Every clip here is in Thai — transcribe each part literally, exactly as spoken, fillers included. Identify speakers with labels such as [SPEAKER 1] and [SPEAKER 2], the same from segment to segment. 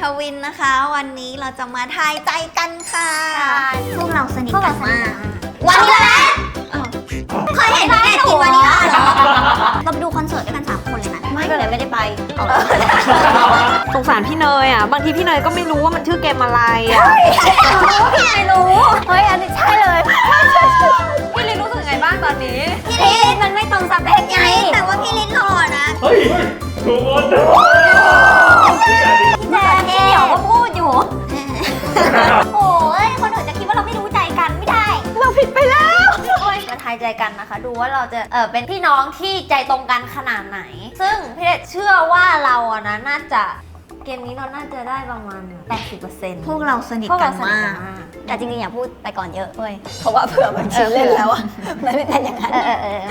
[SPEAKER 1] วินนะคะวันนี้เราจะมาทายใจกันค่ะพวกเราสนิทกันมากวันนี้แหละเคยเห็นไหมกินวันนี้เหรอเราไปดูคอนเสิร์ตด้วยกันสามคนเลยนะไม่เลยไม่ได้ไป
[SPEAKER 2] สงสารพี่เนยอ่ะบางทีพี่เนยก็ไม่รู้ว่ามันชื่อเกมอะไรอ่ะ
[SPEAKER 1] พี่เนยรู้เฮ้ยอันนี้ใช่เลย
[SPEAKER 2] พี่ลินรู้สึกไงบ้างตอนนี้
[SPEAKER 1] พี่ลินมันไม่ตรงสเปคไงแต่ว่าพี่ลินหล่อนะ
[SPEAKER 3] เฮ้ยถูกหมด
[SPEAKER 1] แจ๊คเดี๋ยวก็พูดอยู่โอ้ยคนอื่นจะคิดว่าเราไม่รู้ใจกันไม่ได้
[SPEAKER 2] เราผิดไปแล้ว
[SPEAKER 1] มาทายใจกันนะคะดูว่าเราจะเออเป็นพี่น้องที่ใจตรงกันขนาดไหนซึ่งพี่เด็ดเชื่อว่าเราอะนะน่าจะเกมนี้เราน่าจะได้ประมาณ แปดสิบเปอร์เซ็นต์ พวกเราสนิทกันมากแต่จริงๆอย่าพูดไปก่อนเยอะเว้ยเพราะว่าเผื่อมันชินเล่นแล้วอะมันไม่เป็นอย่างนั้นเออเออ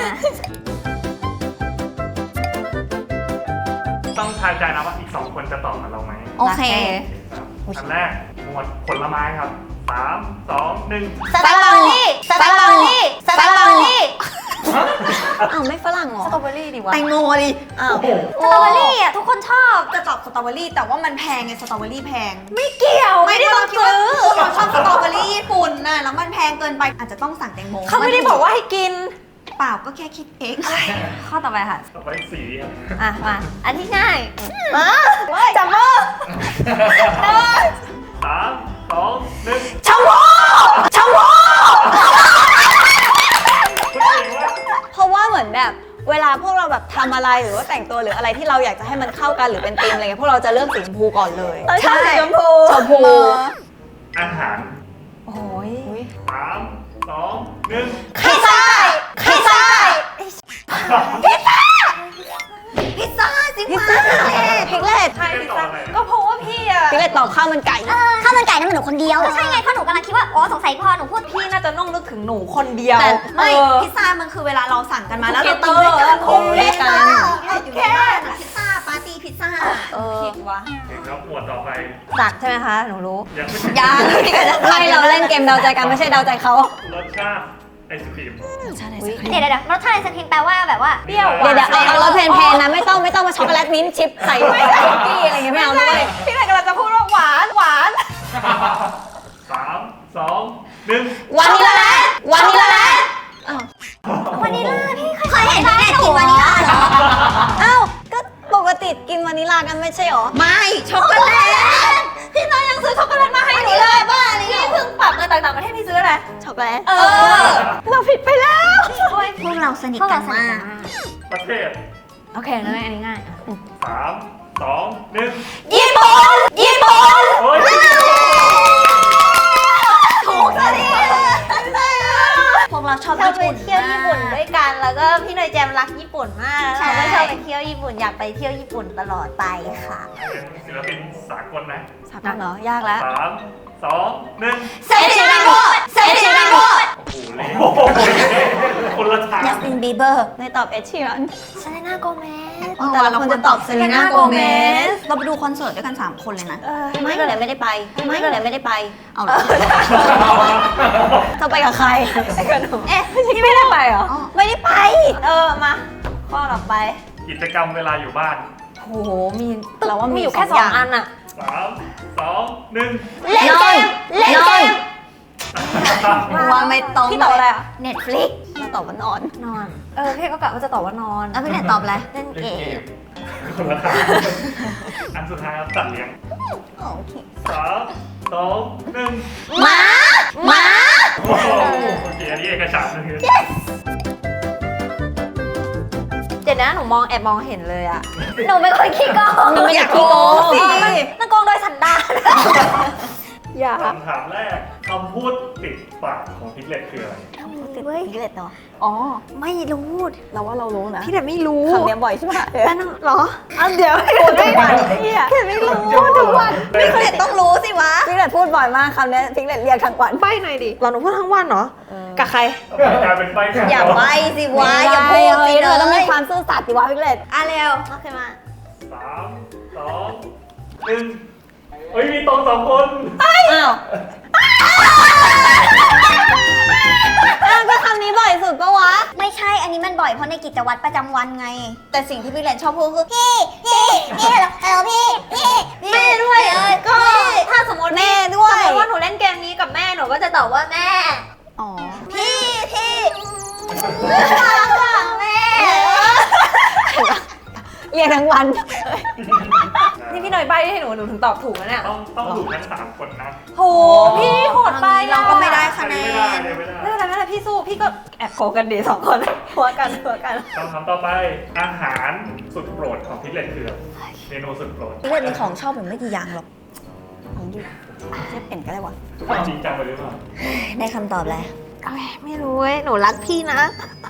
[SPEAKER 3] ต้องทายใจนะว่าอีกสองคนจะตอบกับเราไหม
[SPEAKER 1] โอเค
[SPEAKER 3] อันแรกหมวดผลไม้ครับสามสองหนึ่ง
[SPEAKER 1] สตรอเบอรี่สตรอเบอรี่สตรอเบอรี่
[SPEAKER 2] อ้าวไม่ฝรั่งเหรอ
[SPEAKER 1] สตรอเบอรี่ดีวะ
[SPEAKER 2] แตงโมดิอ้าว
[SPEAKER 1] สตรอเบอรี่อ่ะทุกคนชอบ
[SPEAKER 4] จะตอบสตรอเบอรี่แต่ว่ามันแพงไงสตรอเบอรี่แพง
[SPEAKER 1] ไม่เกี่ยวไม่ได้ต้องซื้อ
[SPEAKER 4] เราชอบสตรอเบอรี่ญี่ปุ่นน่ะแล้วมันแพงเกินไปอาจจะต้องสั่งแตงโม
[SPEAKER 2] เขาไม่ได้บอกว่าให้กิน
[SPEAKER 4] เปล่าก็แค่คิดเอง
[SPEAKER 1] ข้อต่อไปค่ะ
[SPEAKER 3] ต่อไปสีครับ
[SPEAKER 1] อ่ะมาอันที่ง่าย
[SPEAKER 2] มาจับมือ
[SPEAKER 3] สามสองหนึ่ง
[SPEAKER 2] ชมพูชมพูเพราะว่าเหมือนแบบเวลาพวกเราแบบทำอะไรหรือว่าแต่งตัวหรืออะไรที่เราอยากจะให้มันเข้ากันหรือเป็นธีมอะไรเงี้ยพวกเราจะเลือกสีชมพูก่อนเลย
[SPEAKER 1] ใช่ชมพู
[SPEAKER 2] ชมพู
[SPEAKER 3] อาหาร
[SPEAKER 2] โอ้ย
[SPEAKER 3] สามสองหนึ่ง
[SPEAKER 1] พิซซ่าพิซซ่าพิซซ่าพิซซ่าจริงมาก
[SPEAKER 2] พิกเลต
[SPEAKER 3] ใช่พิซซ่า
[SPEAKER 2] ก็เพราะว่าพี่อะพิกเลตตอบข้าวมันไก่
[SPEAKER 1] ข้าวมันไก่นั่นมันหนูคนเดียวใช่ไงเพราะหนูกำลังคิดว่าอ๋อสงสัยพอหนูพูด
[SPEAKER 2] พี่น่าจะน้องนึกถึงหนูคนเดียว
[SPEAKER 4] แต่ไม่พิซซ่ามันคือเวลาเราสั่งกันมาแล้วเรากินด้วยกัน
[SPEAKER 2] คุ้มด้วยกัน
[SPEAKER 4] อยู่ที่บ้านพิซซ่าปาร์ตี้พิซซ่า
[SPEAKER 2] ผิดวะ
[SPEAKER 3] แล้วหมวดต่อไป
[SPEAKER 2] สักใช่ไหมคะหนูรู้
[SPEAKER 3] ยังไม่
[SPEAKER 2] ยังไม่เราเล่นเกมเดาใจกันไม่ใช่เดาใจเขา
[SPEAKER 3] รสชาติไอศครีม
[SPEAKER 1] เดี๋ยวเดี๋ยวรสชาติไอศครีมแปลว่าแบบว่า
[SPEAKER 2] เปรี้ยวเดี๋ยวเดี๋ยวเอารสเพลนๆนะไม่ต้องไม่ต้องมาช็อกโกแลตมิ้นท์ชิพใส่คุกกี้อะไรอย่างเงี้ยไม่เอาด้วยพี่เลยกำลังจะพูดว่าหวานหวาน
[SPEAKER 3] สามสองหนึ่ง
[SPEAKER 2] วานิลลา
[SPEAKER 1] วานิลลาวานิลลาพี่เคยเห็นไหมกินวานิลลาเหรอ
[SPEAKER 2] อ้าวก็ปกติกินวานิลลากันไม่ใช่หรอ
[SPEAKER 4] ไม่ช็อกโกแลต
[SPEAKER 1] พี่น้อยยังซื้อช็อกโกแลตมาให้หนูเลยบ้านี่เพิ่งปรับเงินต่างๆประเทศพี่ซื้ออะไร
[SPEAKER 2] ช็อกโกแลต
[SPEAKER 1] เออ
[SPEAKER 2] เราผิดไปแล้ว
[SPEAKER 1] พวกเราสนิทกันมาก
[SPEAKER 3] ประเทศ
[SPEAKER 1] โอเคง่ายอันนี้ง่าย
[SPEAKER 3] สามสองหนึ่ง
[SPEAKER 1] ญี่ปุ่นญี่ปุ่นถูกสิพวกเราชอบญี่ปุ่นเที่ยวญี่ปุ่นด้วยกันแล้วก็พี่เนยแจมรักญี่ปุ่นมากเราก็ชอบไปเที่ยวญี่ปุ่นอยากไปเที่ยวญี่ปุ่นตลอดไปค่ะ
[SPEAKER 3] เป็นศิลปินสากลนะ
[SPEAKER 2] สากลเหรอยากแล้ว
[SPEAKER 3] สามสองหนึ่ง
[SPEAKER 1] เซชิราโกเซชิราโก
[SPEAKER 3] โอ้โหคนละทาง
[SPEAKER 1] จัสตินบีเบอร์
[SPEAKER 2] ในตอบเอชชีรัน
[SPEAKER 1] เซเลน่าโกเมส
[SPEAKER 2] แต่เราควรจะตอบเซเลน่าโกเมส
[SPEAKER 4] เราไปดูคอนเสิร์ตด้วยกันสามคนเลยนะ
[SPEAKER 2] ไม่ก็เลยไม่ได้ไปไม่ก็เลยไม่ได้ไป
[SPEAKER 4] เอาเหรอ
[SPEAKER 2] จะไปกับใครไปกับหนูเอ๊ะพี่ไม่ได้ไปเหรอไม่ได้ไปเออมาข้อต่อไป
[SPEAKER 3] กิจกรรมเวลาอยู่บ้าน
[SPEAKER 2] โหมีเราว่ามีอยู่แค่สองอันอะ
[SPEAKER 3] สามสองหนึ่ง
[SPEAKER 1] เล่นเกมเล่นเกม
[SPEAKER 4] ว่าไม่ตรง
[SPEAKER 2] พี่ตอบอะไรอะ
[SPEAKER 1] Netflix
[SPEAKER 2] มาตอบว่านอน
[SPEAKER 1] นอน
[SPEAKER 2] เออพี่ก็กะว่าจะตอบว่านอน
[SPEAKER 1] แล้วพี่เนตตอบอะไรเล่นเกม
[SPEAKER 3] คนละทางอันสุดท้ายครับสัตว์เลี้ยง
[SPEAKER 1] โอเค
[SPEAKER 3] สามสองหนึ่ง
[SPEAKER 1] หมาหมา
[SPEAKER 3] โอ้โหโอเคอันนี้เอกฉันท์เลย
[SPEAKER 2] เดี๋ยวนะหนูมองแอบมองเห็นเลยอะ
[SPEAKER 1] หนูเป็นคนขี้โกง
[SPEAKER 2] หนูไม่อยากขี้โกงสิ
[SPEAKER 1] มันโกงโดยสันดาน
[SPEAKER 2] อย่า
[SPEAKER 3] คำถามแรกคำพูดติดปากของพิกเลตคืออะไร
[SPEAKER 1] คำพูดติดพิกเลตเหรออ๋อไม่รู้
[SPEAKER 2] เราว่าเรารู้นะ
[SPEAKER 1] พี่เด็ดไม่รู้
[SPEAKER 2] คำนี้บ่อยใช่ไหม
[SPEAKER 1] นั่นเหรอ
[SPEAKER 2] อันเดี๋ยวพูดทุกวันพี่อะพี่ไม่รู้ทุกวัน
[SPEAKER 4] พิกเลตต้องรู้สิวะ
[SPEAKER 2] พี่เด็ดพูดบ่อยมากคำนี้พิกเลตเรียกทั้งวันใบ้หน่อยดิเราหนูพูดทั้งวันเหรอกับใคร
[SPEAKER 3] กลายเป็นใบ้
[SPEAKER 4] อย่าใบ้สิวะอย่าพูดสิ
[SPEAKER 2] เธอต้องมีความซื่อสัตย์ดิวะพิกเลต
[SPEAKER 4] อ่ะเร็ว
[SPEAKER 1] โอเคมา
[SPEAKER 3] สามสองหนึ่งเฮ้ยมีตรงสองคน
[SPEAKER 2] อ้าวก็คำนี้บ่อยสุดปะวะ
[SPEAKER 1] ไม่ใช่อันนี้มันบ่อยเพราะในกิจวัตรประจำวันไง
[SPEAKER 4] แต่สิ่งที่พี่เลนชอบพูดคือ
[SPEAKER 1] พี่พี่พี่เหรอพี่พี่พี่
[SPEAKER 4] ด้วยก็
[SPEAKER 2] วัน
[SPEAKER 1] นี่พี่เนยใบให้หนูหนูถึงตอบถูกแล้วเนี่ย
[SPEAKER 3] ต้องต้องถูกทั้งสามคนนะ
[SPEAKER 1] โหพี่โหดไป
[SPEAKER 4] เราก็ไม่ได้คะแน
[SPEAKER 3] ไม่ได้
[SPEAKER 4] น
[SPEAKER 3] เลยไม่ได้
[SPEAKER 1] ไม่เป็นไรไม่เป็นไรพี่สู้พี่ก็แอบโกงกันดีสองคนหัวกันหัวกัน
[SPEAKER 3] คำถามต่อไปอาหารสุดโปรดของพิกเลตคืออะไรเมนูสุดโปรด
[SPEAKER 4] พี่เล่นมีของชอบผมไม่กี่อย่างหรอกของดิเชฟเอ็นก็ได้วะ
[SPEAKER 3] จริงจังไปหรือเปล่า
[SPEAKER 4] ได้คำตอบแล้ว
[SPEAKER 1] ไม่รู้เว้ยหนูรักพี่นะ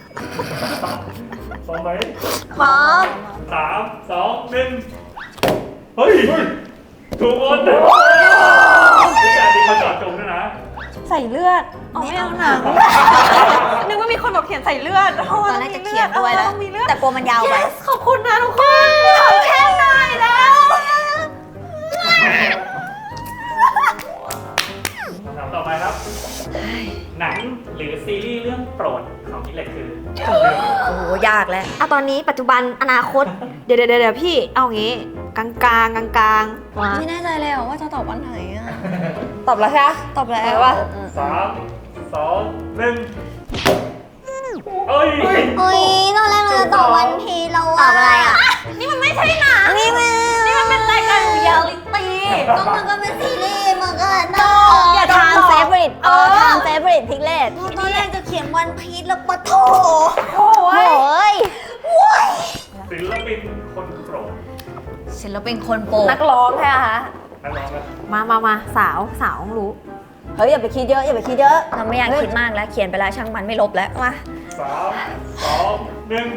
[SPEAKER 3] พร้อมไหม
[SPEAKER 1] พร้อม
[SPEAKER 3] สามสองหนึ่งเฮ้ยถูกหมดพี่แจ๊ดดีมาจอดจงด้วยนะ
[SPEAKER 1] ใส่เลือดอ๋อไม่เอาหนังนึกว่ามีคนบอกเขียนใส่เลือด
[SPEAKER 4] ตอนแรกจะเขียนด้วยแล้ว
[SPEAKER 1] ต้องมีเลือด
[SPEAKER 4] แต่กลัวมันยาวไป
[SPEAKER 1] Yes ขอบคุณนะทุกคนขอแค่หน่อยแล้ว
[SPEAKER 3] คำถามต่อไปครับ หนังหรือซีรีส์เรื่องโปรดของพิกเลตคือ
[SPEAKER 4] โอ้โหยากแล้ว
[SPEAKER 1] อะตอนนี้ปัจจุบันอนาคต เดี๋ยวเดี๋ยวเดี๋ยวพี่เอางี้กลางกลางกลางกลางๆมา
[SPEAKER 4] ไม่แน่ใจเลยว่าจะตอบวันไหนอะ
[SPEAKER 1] ตอบแล้วใช่ไหม
[SPEAKER 4] ตอบแล้ว
[SPEAKER 1] ไหนวะ
[SPEAKER 3] สามสองหนึ่งเอ้ย
[SPEAKER 4] เฮ้ยตอนแรกเราจะตอบวันพีเราตอบอะไรอ่ะ
[SPEAKER 1] นี่มันไม่ใช่หนัง
[SPEAKER 4] นี่มัน
[SPEAKER 1] นี่มันเป็นรายการเรียลลิตี้
[SPEAKER 4] ก็มันก็เป็นซีรีส์มันก็ตอ
[SPEAKER 1] อย่า
[SPEAKER 2] ทานเฟเวอริตเออทานเฟเวอริตพิกเลต
[SPEAKER 4] ตอนแรกจะเขียนวันพีชแล้วปะโถ
[SPEAKER 1] โอ้
[SPEAKER 2] โอ้
[SPEAKER 1] ย
[SPEAKER 2] ย
[SPEAKER 3] ศิลปินคนโปรด
[SPEAKER 4] ศิลปินคนโปร
[SPEAKER 1] นักร้องใช่ไหมคะ
[SPEAKER 3] นักร้องกัน
[SPEAKER 1] มามามาสาวสาวต้องรู้
[SPEAKER 2] เฮ้ยอย่าไปคิดเยอะอย่าไปคิดเยอะ
[SPEAKER 4] เราไม่อยากคิดมากแล้วเขียนไปแล้วช่างมันไม่ลบแล้วมา
[SPEAKER 3] สามสองหนึ่ง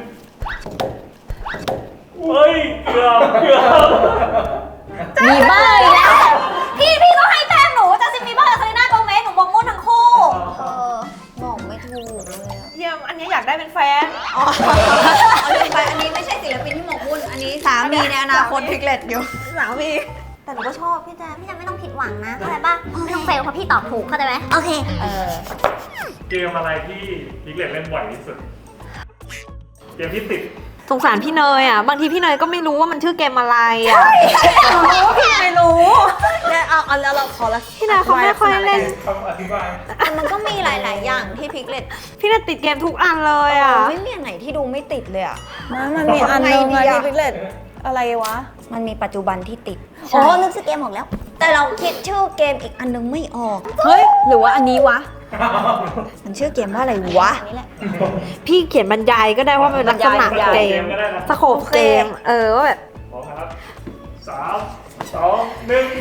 [SPEAKER 3] เฮ้ยเกือบเกือบ
[SPEAKER 2] มีบ้าอีกแล้ว
[SPEAKER 1] พี่พี่ก็ให้แต้มหนูจะซิมมีบ้าเคยหน้าโกเมสหนูมองมุ่นทั้งคู่
[SPEAKER 4] เออบอกไม่ถูกเลยอะ
[SPEAKER 1] เยี่ยมอันนี้อยากได้เป็นแฟน
[SPEAKER 4] อ๋อเอาลืมไปอันนี้ไม่ใช่ศิลปินที่หมกมุ่นอันนี้สามีในอนาคตพิกเลตอยู่
[SPEAKER 1] สาวมีแต่หนูก็ชอบพี่แจมพี่แจมไม่ต้องผิดหวังนะเข้าใจป่ะไม่ต้องเฟลเพราะพี่ตอบถูกเข้าใจไหมโอเค
[SPEAKER 4] เออ
[SPEAKER 3] เกมอะไรที่พิกเลตเล่นบ่อยที่สุด เกมที่ติด
[SPEAKER 1] สงสารพี่เนยอ่ะบางทีพี่เนยก็ไม่รู้ว่ามันชื่อเกมอะไรอ่ะหนูรู้ว่าพี่เนยรู้
[SPEAKER 2] แล้วเอาเอาแล้วเราขอละ
[SPEAKER 1] พี่เนยเขาไม่ค่อยเล่น
[SPEAKER 3] คำอธิบาย
[SPEAKER 4] แต่มันก็มีหลาย ๆ อย่างที่พิกเลต
[SPEAKER 1] พี่เนยติดเกมทุกอันเลยอ่ะ
[SPEAKER 4] ไม่มีอันไหนที่ดูไม่ติดเลยอ่ะ
[SPEAKER 2] มามันมีอันนึงอะที่พิกเลตอะไรวะ
[SPEAKER 4] มันมีปัจจุบันที่ติด
[SPEAKER 2] ใช่
[SPEAKER 4] อ๋อนึกชื่อเกมออกแล้ว แต่เราคิดชื่อเกมอีกอันนึงไม่ออก
[SPEAKER 2] เฮ้ยหรือว่าอันนี้วะ
[SPEAKER 4] มันชื่อเกมว่าอะไรวะ
[SPEAKER 2] นี่แหละ
[SPEAKER 1] พี่เขียนบรรยายก็ได้ว่าเป็นลักษณะ
[SPEAKER 2] บรรยาย
[SPEAKER 1] เกม
[SPEAKER 3] ก็ได้นะ
[SPEAKER 1] สโคปเกมเออว่าแบบ
[SPEAKER 3] พร้อมนะครับสามสองหนึ่ง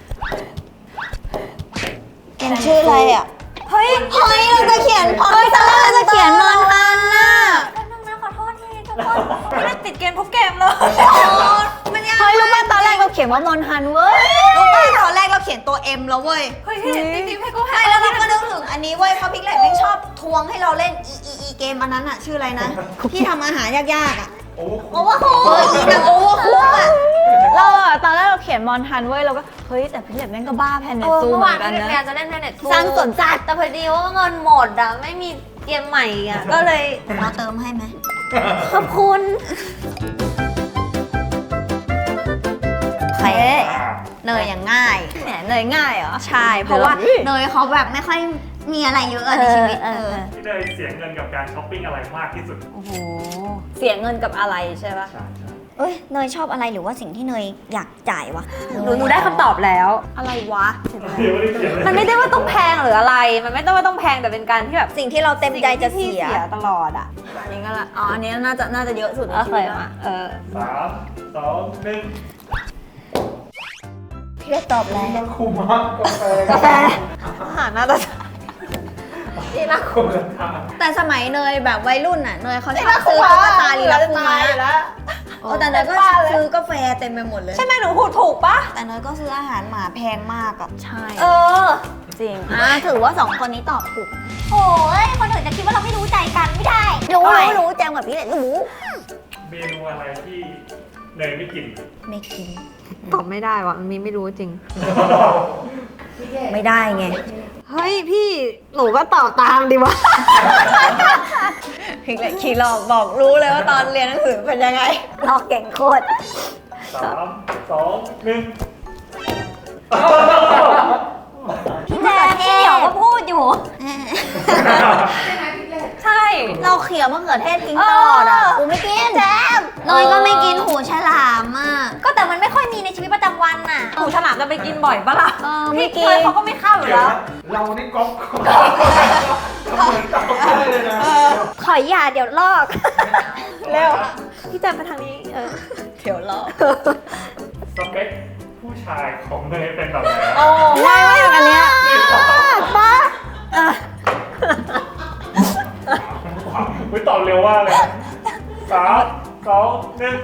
[SPEAKER 4] เกมชื่ออะไรอ่ะ
[SPEAKER 1] เฮ้ย
[SPEAKER 4] เฮ้ยเราจะเขียนพอตอนแรกเราจะเขียนมอนทันน่ะ
[SPEAKER 1] นึงนะขอโทษทีทุกคนพี่เนยติดเกมทุกเกมเลย
[SPEAKER 4] มันยาก
[SPEAKER 2] เฮ้ยรู้ป่ะตอนแรกเราเขียนว่ามอนฮันเว้ย
[SPEAKER 4] รู้ป่ะตอนแรกเราเขียนตัว M แล้วเว้ย
[SPEAKER 1] เฮ้ยพี่จริงๆให้กู
[SPEAKER 4] ใช่แล้วเราก็นึกถึงอันนี้เว้ยเพราะพิกเลตไม่ชอบทวงให้เราเล่น E E E เกมอันนั้นอ่ะชื่ออะไรนะ ที่ทำอาหารยากๆอ่ะ
[SPEAKER 3] โอ้โห
[SPEAKER 4] โอเวอร์คุกเอออีหนังโอเวอร์คุกอ่ะ
[SPEAKER 2] เราอะตอนแรกเราเขียนมอนฮันเว้ยเราก็เฮ้ยแต่พิกเลตแม่งก็บ้าแพนเน
[SPEAKER 1] เออ
[SPEAKER 2] ซู
[SPEAKER 1] เมื่อ
[SPEAKER 2] เหมื
[SPEAKER 1] วา
[SPEAKER 2] อน นกัน
[SPEAKER 1] พี่
[SPEAKER 2] นะ
[SPEAKER 1] เนยจะเล่นแพเน็ต
[SPEAKER 2] สร้างสวนสัตว์
[SPEAKER 1] แต่พอดีว่าเงินหมดอ่ะไม่มีเกมใหม่อ่ะก็เลย
[SPEAKER 4] เราเติมให้ไหม
[SPEAKER 1] ขอบคุณ
[SPEAKER 4] เฮ้เนยอย่างง่าย
[SPEAKER 2] แหมเนยง่ายเหรอ
[SPEAKER 4] ใช่ เพราะว่าเนยเขาแบบไม่ค่อยมีอะไรเยอะอะในชีวิต
[SPEAKER 1] เอ
[SPEAKER 4] เอ
[SPEAKER 1] อ
[SPEAKER 4] อ
[SPEAKER 3] พี่เนยเสียเงินกับการช้อปปิ้งอะไรมากที่สุด
[SPEAKER 1] โอ้โห
[SPEAKER 2] เสียเงินกับอะไรใช่ปะ
[SPEAKER 3] ใช่ใช่
[SPEAKER 4] เอ้ยเนยชอบอะไรหรือว่าสิ่งที่เนยอยากจ่ายวะ
[SPEAKER 1] หนูหนูได้คำตอบแล้ว
[SPEAKER 2] อะไรวะ
[SPEAKER 3] เดี๋ยวไม่ได้เขียนเลย
[SPEAKER 1] มันไม่ได้ว่าต้องแพงหรืออะไร มันไม่ต้องว่าต้องแพงแต่เป็นการที่แบบ
[SPEAKER 4] สิ่งที่เราเต็มใจจะ
[SPEAKER 1] สิ่
[SPEAKER 4] เสี
[SPEAKER 1] ง
[SPEAKER 4] ย
[SPEAKER 1] ที่พี่ตลอดอ่ะ
[SPEAKER 2] อันนี้ก็ละอ๋ออันนี้น่าจะน่าจะเยอะสุดใน
[SPEAKER 1] โอ
[SPEAKER 2] ชี
[SPEAKER 1] เค
[SPEAKER 2] วิต
[SPEAKER 1] มา
[SPEAKER 2] ละ
[SPEAKER 1] เออ
[SPEAKER 3] สามสองหนึ่ง
[SPEAKER 4] พี่ได้ตอบแล้ว
[SPEAKER 3] คุ้มมากกาแฟ
[SPEAKER 1] กาแฟอาหารน่าจะที่รัก
[SPEAKER 3] คุ้มราคา
[SPEAKER 4] แต่สมัยเนยแบบวัยรุ่นน่ะเนยเขาชอบซื้อตุ๊กตาลีลาคูมาโอ้แต่เนยก็ซื้อกาแฟเต็มไปหมดเลย
[SPEAKER 1] ใช่ไหมหนูพูดถูกปะ
[SPEAKER 4] แต่เนยก็ซื้ออาหารหมาแพงมากอะ
[SPEAKER 2] ใช่
[SPEAKER 1] เออ
[SPEAKER 2] จริงอ่ะถือว่าสองคนนี้ตอบถูก
[SPEAKER 1] โอ้ยคนอื่นจะคิดว่าเราไม่รู้ใจกันไม่ได้
[SPEAKER 4] รู้รู้รู้แจงกับพี่เลยรู้
[SPEAKER 3] เมนูอะไรที่เนยไม่กิน
[SPEAKER 4] ไม่กิน
[SPEAKER 1] ตอบไม่ได้ว่ะมันมีไม่รู้จริง
[SPEAKER 4] ไม่ได้ไง
[SPEAKER 1] เฮ้ยพี่หนูก็ตอบตามดีวะ
[SPEAKER 4] พิกเลยขี่หลอกบอกรู้เลยว่าตอนเรียนหนังสือเป็นยังไงหลอกเก่งโคตร
[SPEAKER 3] สามสองหนึ่ง
[SPEAKER 1] พี่แจ๊พี่เหมียวก็พูดอยู่ ใช่
[SPEAKER 4] เราเขี่ยมะเขือเทศทิ้งตลอดอ่ะกูไม่กินแจมเนยก็ไม่กินหูฉลามอ่ะ
[SPEAKER 1] ก็แต่มันไม่ค่อยมีในชีวิตประจำวันน่ะหูฉลามจะไปกินบ่อยปะล่ะ
[SPEAKER 4] เออไม่กิน
[SPEAKER 1] พี่เคยเขาก็ไม่เข้าอยู่แล้ว
[SPEAKER 3] เรานี่ก๊อปก๊อปก๊อปเหมือนก๊อปเลยนะ
[SPEAKER 1] ขออย่าเดี๋ยวลอก
[SPEAKER 3] เร็ว
[SPEAKER 1] พี่แจมไปทางนี้เออ
[SPEAKER 2] เดี๋ยวรอ
[SPEAKER 3] สเปคผู้ชายของเนยเป็นแบบไหน
[SPEAKER 2] โอ้ง่ายมากอันเนี้ย
[SPEAKER 1] ป้า
[SPEAKER 3] อุ้ยตอบเร็วว่าเลยสามสองหนึ่ง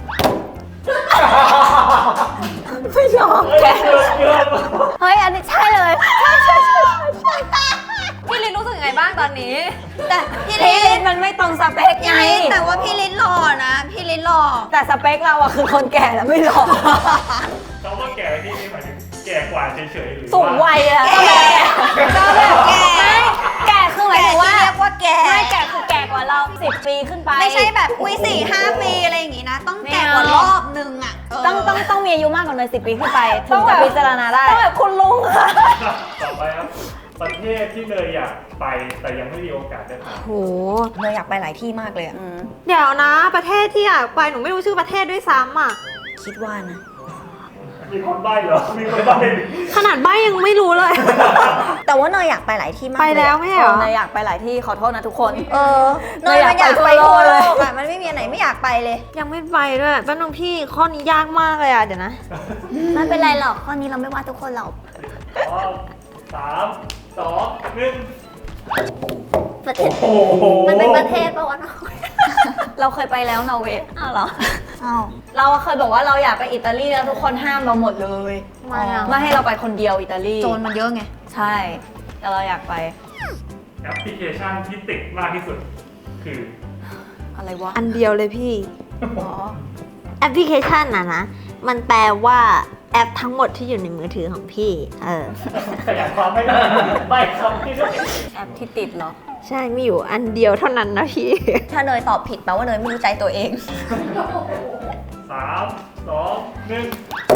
[SPEAKER 2] ไม่ยอม
[SPEAKER 3] เฮ้ยเกือบเกือบ
[SPEAKER 2] เฮ้ยอันนี้ใช่เลยใช่ใช่ใช่ใช่ใช่
[SPEAKER 1] พี่ลินรู้สึกยังไงบ้างตอนนี้
[SPEAKER 4] แต่พี่
[SPEAKER 2] พี่
[SPEAKER 4] ลิ
[SPEAKER 2] ลิ
[SPEAKER 4] น
[SPEAKER 2] นมันไม่ตรงสเปคไง
[SPEAKER 4] ไงแต่ว่าพี่ลินหล่อนะ พี่ลินหล่อ
[SPEAKER 2] แต่สเปคเราอะคือคนแก่แล้วไม่หล่อ
[SPEAKER 3] เขาว่าแก่ที่นี่หมายถึงแก่กว่าเฉยๆหรือ
[SPEAKER 2] สูงวัยอะ
[SPEAKER 4] แก่ก็แบบแก่
[SPEAKER 2] ไม่แก่คือหมาย
[SPEAKER 4] แก่
[SPEAKER 2] ถึงว่า
[SPEAKER 4] ที่เรียกว่าแก่
[SPEAKER 2] ไม่แก่คือแก่กว่าเราสิบปีขึ้นไป
[SPEAKER 4] ไม่ใช่แบบอุ้ยสี่ห้าปีอะไรอย่างงี้นะ ต้องแก่กว่ารอบนึงอ่ะเ
[SPEAKER 2] ต้องต้องต้องมีอายุมากกว่าเลยสิบปีขึ้นไปถึงจะพิจารณาได้
[SPEAKER 1] ต้องแบบคุณลุงค่ะ
[SPEAKER 3] ต่อไปครับประเทศที่เนยอยากไปแต่ยังไม่มีโอกาสได้ไป
[SPEAKER 1] โห
[SPEAKER 4] เนยอยากไปหลายที่มากเลยอะ
[SPEAKER 1] เดี๋ยวนะ ประเทศที่อยากไปหนูไม่รู้ชื่อประเทศด้วยซ้ำอ่ะ
[SPEAKER 4] คิดว่านะ
[SPEAKER 3] มีคนใบ้เหรอมีคนใบ้
[SPEAKER 1] ขนาดใบยังไม่รู้เลย
[SPEAKER 4] แต่ว่าเนยอยากไปหลายที่มาก
[SPEAKER 1] ไป
[SPEAKER 4] เลย
[SPEAKER 1] แล้ว
[SPEAKER 4] อะ
[SPEAKER 1] ไม่ใช่เหรอ
[SPEAKER 2] เนยอยากไปหลายที่ขอโทษนะทุกคน
[SPEAKER 4] เออเนยมันอยากไปทั่วโลกอะมันไม่มีอันไหนไม่อยากไปเลย
[SPEAKER 1] ยังไม่ไปด้วยแป๊บนึงพี่ข้อนี้ยากมากเลยอ่ะเดี๋ยวนะ
[SPEAKER 4] ไม่เป็นไรหรอกข้อนี้เราไม่ว่าทุกคนหรอก
[SPEAKER 3] พร้อมสามสองหนึ่ง
[SPEAKER 1] ประเทศ
[SPEAKER 3] โอ้โห
[SPEAKER 1] มันเป็นประเทศปะวะเนาะ
[SPEAKER 2] เราเคยไปแล้วนอร์เวย์
[SPEAKER 1] อ้าวเหรอ
[SPEAKER 4] อ้าว
[SPEAKER 2] เราเคยบอกว่าเราอยากไปอิตาลีแล้วทุกคนห้ามเราหมดเลย
[SPEAKER 1] ทำไมอ่ะ
[SPEAKER 2] ไม่ให้เราไปคนเดียวอิตาลี
[SPEAKER 4] โจรมันเยอะไง
[SPEAKER 2] ใช่ แต่เราอยากไป
[SPEAKER 3] แอปพลิเคชันที่ติดมากที่สุด คือ
[SPEAKER 2] อะไรวะ
[SPEAKER 1] อันเดียวเลยพี่
[SPEAKER 2] อ๋อ
[SPEAKER 1] แอปพลิเคชันน่ะนะ มันแปลว่าแอปทั้งหมดที่อยู่ในมือถือของพี่ เออ
[SPEAKER 3] ขยายความไม่ได้ใบ้คำที่ด้วย
[SPEAKER 2] แอปที่ติดเหรอ
[SPEAKER 1] ใช่ มีอยู่อันเดียวเท่านั้นนะพี่
[SPEAKER 4] ถ้าเนยตอบผิดแปลว่าเนยไม่รู้ใจตัวเอง
[SPEAKER 3] สามสองหนึ่ง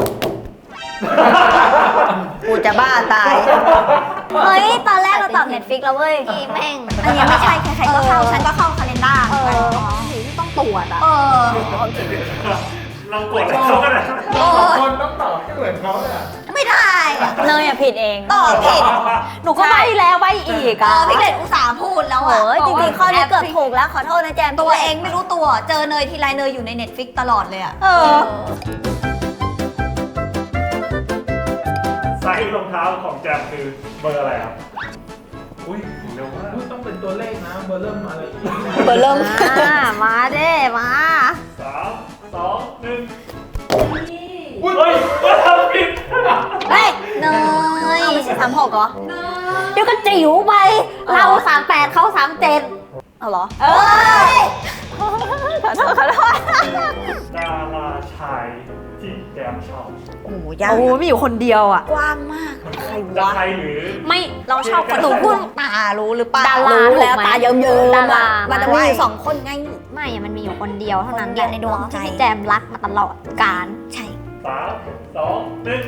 [SPEAKER 4] กูจะบ้าตาย
[SPEAKER 1] เฮ้ย ตอนแรกเราตอบ Netflix แล้วเว้ยพี่แม่ง
[SPEAKER 4] อันนี้ไม่ใช่ใครๆก็เข้า ฉันก็เข้าคาเลนด้า
[SPEAKER 1] เออที่ต้องตรวจอ่ะ
[SPEAKER 4] เออ
[SPEAKER 3] เรากดเขาก็ได้
[SPEAKER 4] โอ้ย
[SPEAKER 3] คนต้องตอบให้เหมือนเขาเลย
[SPEAKER 4] ไม่ได้อะ
[SPEAKER 2] เนยอะผิดเอง
[SPEAKER 4] ตอบผิด
[SPEAKER 1] หนูก็ใบแล้วใบอีก
[SPEAKER 4] เอ
[SPEAKER 1] อ่ะ
[SPEAKER 4] อพี่เกดอุตส่าห์พูดแล้ว
[SPEAKER 2] โอ้
[SPEAKER 4] อะ
[SPEAKER 2] ยจริงๆข้อนี้เกือบถูกแล้วขอโทษนะแจม
[SPEAKER 4] ตัวเองไม่รู้ตัว เจอเนยทีไรเนยอยู่ในเน็ตฟิกตลอดเลยอะ
[SPEAKER 1] เออ
[SPEAKER 3] ไซส์รองเท้าของแจมคือเบอร์อะไรครับ อุ้ยเร็วมาก
[SPEAKER 5] ต้องเป็นตัวเลขนะ เบอร์เริ่มอะไรอีก
[SPEAKER 2] เบอร์เริ่ม
[SPEAKER 1] อ่ามาเด้มา
[SPEAKER 3] สามสองหนึ่งอุ้ยเฮ้ยทำผิด
[SPEAKER 1] เฮ้ย
[SPEAKER 4] เนย
[SPEAKER 2] เอาไม่ใช่สามหกเหรอ
[SPEAKER 1] เดี๋ยวก็จิ๋วไป เราสามแปดเขาสามเจ็ด
[SPEAKER 2] เอาเหรอ
[SPEAKER 1] เอ้ย
[SPEAKER 2] ขอโทษขอโทษ
[SPEAKER 3] ดาราชายที่แจมชอบ
[SPEAKER 4] โอ้โหยาก
[SPEAKER 1] โอ้มีอยู่คนเดียวอ่ะ
[SPEAKER 4] กว้างมาก
[SPEAKER 2] ใคร
[SPEAKER 3] จะ
[SPEAKER 2] วะ
[SPEAKER 3] ไทยหรือ
[SPEAKER 1] ไม่เราชอบคนหนูพูด
[SPEAKER 4] ตารู้หรือเปล่า
[SPEAKER 1] ดารา
[SPEAKER 2] รู้แล้วตาเยิ้มๆ
[SPEAKER 1] ดารา
[SPEAKER 2] มันจะมีอยู่สองคนไง
[SPEAKER 1] ไม่อะมันมีอยู่คนเดียวเท่านั้น
[SPEAKER 4] คนเดียวในดวงใจ
[SPEAKER 1] ที่แจมรักมาตลอดการ
[SPEAKER 4] ใช่
[SPEAKER 3] สามสองหนึ่ง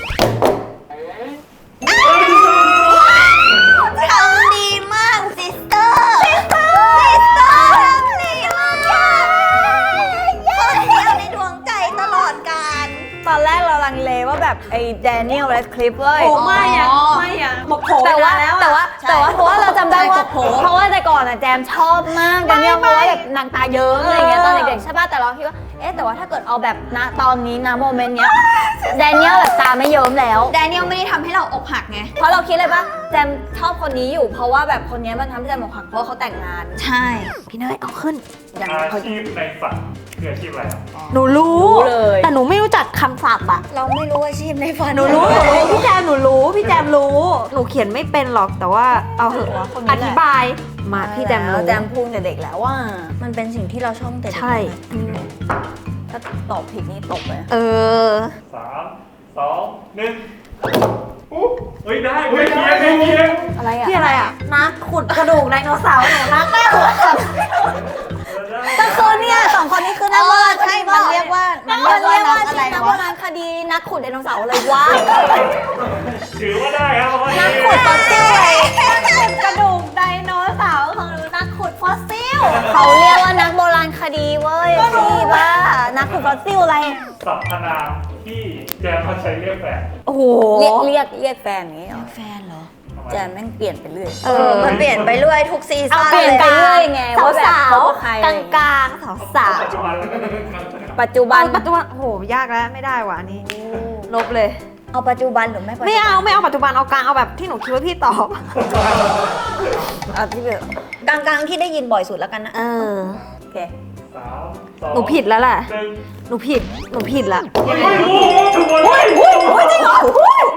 [SPEAKER 4] ทำดีมากซิสเตอร์ซิสเตอร์ซิสเตอร์ทำดีมากคนเดียวในดวงใจตลอดกาล
[SPEAKER 2] ตอนแรกเราลังเลว่าแบบไอ้แดเนียลแรดคลิปเว้ย
[SPEAKER 1] โอ้ไม่อะ
[SPEAKER 4] อ๋อ
[SPEAKER 1] ไม่อะบอกโผ
[SPEAKER 2] แต่ว่าแต่ว่า
[SPEAKER 4] ใช่
[SPEAKER 2] แต่ว่าเพราะว่าเราจำได้ว่า
[SPEAKER 4] ใช่กบโผ
[SPEAKER 2] เพราะว่าแต่ก่อนอะแจมชอบมากแดเนียลเพราะว่าแบบนางตาเยิ้มอะไรอย่างเงี้ยตอนเด็กๆใช่ป่ะแต่เราคิดว่าเอ๊ะแต่ว่าถ้าเกิดเอาแบบณตอนนี้นะโมเมนต์เนี้ยแดเนียลแบบตาไม่เยิ้มแล้ว
[SPEAKER 4] แดเนียลไม่ได้ทำให้เราอกหักไง
[SPEAKER 2] เพราะเราคิดเลยป่ะแจมชอบคนนี้อยู่เพราะว่าแบบคนนี้มันทำให้แจมอกหักเพราะว่าเขาแต่งงาน
[SPEAKER 4] ใช่
[SPEAKER 1] พี่เนยเอาขึ้น
[SPEAKER 2] อย่าง
[SPEAKER 3] อา
[SPEAKER 2] เขา
[SPEAKER 3] ชีพในฝันคืออาชีพอะไรครับ
[SPEAKER 1] หนูรู้
[SPEAKER 2] รู้เลย
[SPEAKER 1] แต่หนูไม่รู้จักคำศัพท์อะ
[SPEAKER 4] เราไม่รู้อาชีพในฝัน
[SPEAKER 1] หนูรู้หนูรู้พี่แจมหนูรู้พี่แจมรู้ หนูเขียนไม่เป็นหรอกแต่ว่าเอาเหอะ
[SPEAKER 2] คนนี้แหละ
[SPEAKER 1] อธิบายมาพี่แจมรู้
[SPEAKER 2] แจมพูดแต่เด็กแล้วว่า
[SPEAKER 4] มันเป็นสิ่งที่เราชอบตั้งแต่เด็ก
[SPEAKER 1] ใช่
[SPEAKER 2] ถ้าตอบผิดนี่ตกเลย
[SPEAKER 1] เออ
[SPEAKER 3] สามสองหนึ่งอุ๊เฮ้ยได้ไม่เคียงไม่เคียง
[SPEAKER 2] อะไรอ่ะ
[SPEAKER 1] พี่อะไรอ่ะนักขุดกระดูกไดโนเสาร์หนูนักแม่ขุด
[SPEAKER 3] เออได้
[SPEAKER 2] ก็คือเนี่ยสองคนนี้คือ
[SPEAKER 4] เอ
[SPEAKER 2] นักโบ
[SPEAKER 4] อ
[SPEAKER 2] ราณ
[SPEAKER 4] ใช่มันเรียกว่า
[SPEAKER 2] มั
[SPEAKER 4] มัน น
[SPEAKER 2] เรี
[SPEAKER 4] เรี
[SPEAKER 2] ย
[SPEAKER 4] ย
[SPEAKER 2] ก
[SPEAKER 4] ก
[SPEAKER 2] ว่า
[SPEAKER 4] ว่า
[SPEAKER 2] ชื่
[SPEAKER 4] อะไร
[SPEAKER 2] อนักโบ
[SPEAKER 4] วะ
[SPEAKER 2] ราณคดีนักขุดไดโนเสาร์อะไรวะ
[SPEAKER 3] ถือว่าได้ครับเพราะว่า
[SPEAKER 2] นักขุดฟอสซิลนักขุดกระดูกไดโนเสาร์ของหนูนักขุดฟอสซิลเขาเรียกว่านักโบราณคดีเว้ยพี่บ้านักขุดฟอสซิลอะไร
[SPEAKER 3] สรรพนามที่แจมเขาใช้เรียกแฟน
[SPEAKER 1] โอ้โห
[SPEAKER 2] เรียกเรียกเรียกแฟนอย่างนี้เหรอ
[SPEAKER 4] แฟนเหรอ
[SPEAKER 3] ทำไม
[SPEAKER 2] แจมแม่งเปลี่ยนไปเรื่อย
[SPEAKER 1] เออ
[SPEAKER 4] มันเปลี่ยนไปเรื่อยทุกซี
[SPEAKER 2] เอา
[SPEAKER 4] ซั่น
[SPEAKER 2] เปลี่ยน
[SPEAKER 4] เลย
[SPEAKER 2] ไปเรื่อยไง
[SPEAKER 1] สาว
[SPEAKER 2] ว่าแบบ
[SPEAKER 1] สาว
[SPEAKER 2] เขากับใคร
[SPEAKER 1] กลางกลางสาวสาว
[SPEAKER 3] ปัจจุบันแล้วก็
[SPEAKER 2] ปัจจุบัน
[SPEAKER 1] ปัจจุบันโอ้โหยากแล้วไม่ได้ว่ะอันนี้ลบเลย
[SPEAKER 4] เอาปัจจุบันหรือไม่ปัจจุบัน
[SPEAKER 1] ไม่เอาไม่เอาปัจจุบันเอากลางเอาแบบที่หนูคิดว่าพี่ตอบ
[SPEAKER 2] อ่ะพี่เบล
[SPEAKER 4] กลางๆที่ได้ยินบ่อยสุดแล้วกันนะ
[SPEAKER 1] เออ
[SPEAKER 2] โอเค
[SPEAKER 3] สามสอง
[SPEAKER 1] หนูผิดแล้วแหละ
[SPEAKER 3] หนึ่ง
[SPEAKER 1] หนูผิดหนูผิดละ
[SPEAKER 3] เฮ้ยโอ้โหถูกหมดเลย
[SPEAKER 1] จริงเหรอ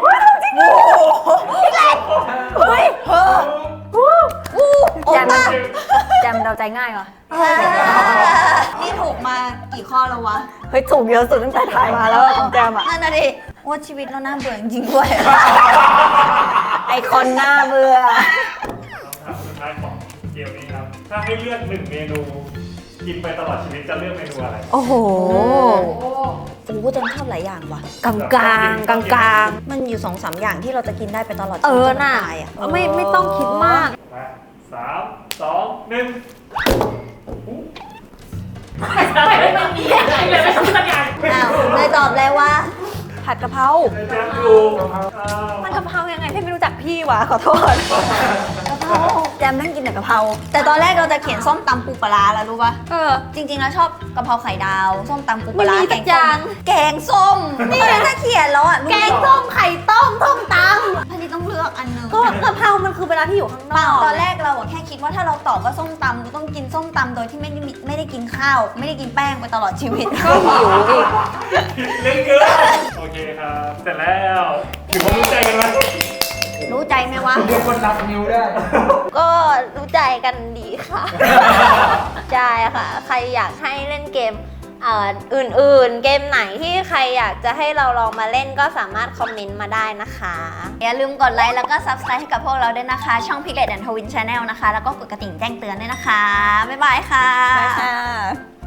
[SPEAKER 2] แจมแจมเดาใจง่ายเหรอ
[SPEAKER 4] นี่ถูกมากี่ข้อแล้ววะ
[SPEAKER 2] เฮ้ยถูกเยอะสุดตั้งแต่ถ่ายมาแล้วของแจมอ่ะ
[SPEAKER 4] นั่นน่ะดิว่าชีวิตเราน่าเบื่อจริงๆด้วย
[SPEAKER 2] ไอคอนหน้าเบื่อ
[SPEAKER 3] คำถามสุดท้ายของเกมนี้ครับ ถ้าให้เลือกหนึ่งเมนู กินไปตลอดชีวิตจะเลือกเมนูอะไร
[SPEAKER 1] โอ้โห
[SPEAKER 4] โอ้โหจังชอบหลายอย่างว่ะ
[SPEAKER 1] กลางกลางกลางกลาง
[SPEAKER 4] มันอยู่สองสามอย่างที่เราจะกินได้ไปตลอด
[SPEAKER 1] เออ
[SPEAKER 4] จน
[SPEAKER 1] น่ะ
[SPEAKER 4] ตายอ่ะ
[SPEAKER 1] ไม่ไม่ต้องคิดมาก
[SPEAKER 3] มาสามสองหนึ่ง
[SPEAKER 4] อ้าวเลยตอบเลยว่า
[SPEAKER 1] ผัดกะเพรา
[SPEAKER 3] แจมดูอ้าว
[SPEAKER 1] มันกะเพรายังไงพี่ไม่รู้จักพี่วะขอโทษ
[SPEAKER 2] แจมนั่งกินแต่กะเพรา
[SPEAKER 4] แต่ตอนแรกเราจะเขียนส้มตำปูปลาร้าแล้วรู้ป่ะ
[SPEAKER 1] เออ
[SPEAKER 4] จริงๆแล้วชอบกะเพราไข่ดาว ส้มตำปูปลาร้า
[SPEAKER 1] ไม่มี
[SPEAKER 4] แก
[SPEAKER 1] สั
[SPEAKER 4] ง
[SPEAKER 1] กอย่าง
[SPEAKER 4] ส้มแกงส้ม นี่ถ้าเขียนแล้วอ่ะรู้
[SPEAKER 1] แกงส้มไข่ต้มส้มต
[SPEAKER 4] อันนี้ต้องเลือกอันหนึง
[SPEAKER 1] ำก็กะเพรามันคือเวลาที่อยู่ข้างน
[SPEAKER 4] เปล่า
[SPEAKER 1] อก
[SPEAKER 4] ตอนแรกเราอะแค่คิดว่าถ้าเราตอบว่าส้มตำเราต้องกินส้มตำโดยที่ไม่ได้มีไม่ได้กินข้าว ไม่ได้กินแป้งไปตลอดชีวิต
[SPEAKER 1] ก็หิวอีก
[SPEAKER 3] เล่นเกินโอเคครับ เสร็จแล้วถือว่ารู้ใจกันไหม
[SPEAKER 4] รู้ใจไหมวะ
[SPEAKER 5] เรียกว่านับนิ้วได้
[SPEAKER 1] ก็รู้ใจกันดีค่ะ ใช่ค่ะ ใครอยากให้เล่นเกมเอ่ออื่นๆ เกมไหนที่ใครอยากจะให้เราลองมาเล่นก็สามารถคอมเมนต์มาได้นะคะ
[SPEAKER 4] อย่าลืมกดไลค์แล้วก็ Subscribe ให้กับพวกเราด้วยนะคะ ช่อง Piglet and Twin Channel นะคะ แล้วก็กดกระดิ่งแจ้งเตือนด้วยนะคะ บ๊ายบายค่ะ
[SPEAKER 2] ไปค่ะ